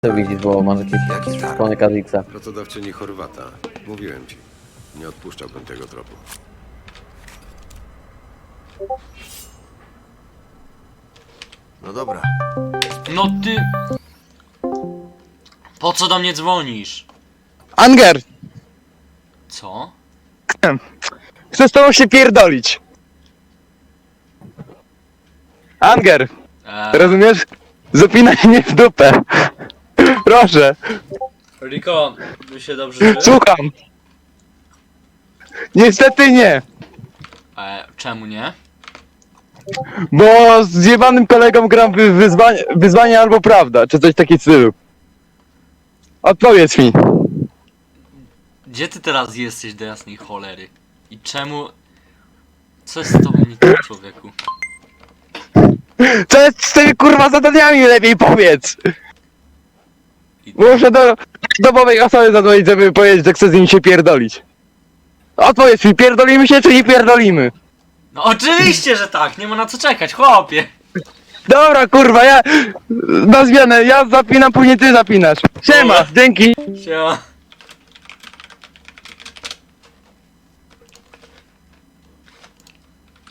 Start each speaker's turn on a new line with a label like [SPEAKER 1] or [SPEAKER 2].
[SPEAKER 1] Co widzisz, bo masz jakieś
[SPEAKER 2] Jaki targ?
[SPEAKER 1] szpony Kazixa.
[SPEAKER 2] Pracodawczyni Chorwata. Mówiłem ci. Nie odpuszczałbym tego tropu. No dobra.
[SPEAKER 3] No ty... Po co do mnie dzwonisz?
[SPEAKER 4] Anger!
[SPEAKER 3] Co?
[SPEAKER 4] Chcę z tobą się pierdolić. Anger! Rozumiesz? Zapinaj mnie w dupę. Proszę,
[SPEAKER 3] Riko, my się dobrze czujesz?
[SPEAKER 4] słucham. Niestety nie,
[SPEAKER 3] Czemu nie?
[SPEAKER 4] bo z zjebanym kolegą gram w wyzwanie albo prawda, czy coś takiego stylu. Odpowiedz mi.
[SPEAKER 3] Gdzie ty teraz jesteś do jasnej cholery? I czemu... Co jest z tobą nie tak, człowieku?
[SPEAKER 4] Co jest z tymi kurwa zadaniami, lepiej powiedz.
[SPEAKER 3] I...
[SPEAKER 4] Muszę do domowej osoby zadzwonić, żeby powiedzieć, że chcę z nim się pierdolić. Odpowiedz mi, pierdolimy się czy nie pierdolimy?
[SPEAKER 3] No oczywiście, że tak! Nie ma na co czekać, chłopie!
[SPEAKER 4] Dobra kurwa, ja na zmianę, ja zapinam, później ty zapinasz. Siema, dzięki.
[SPEAKER 3] Siema.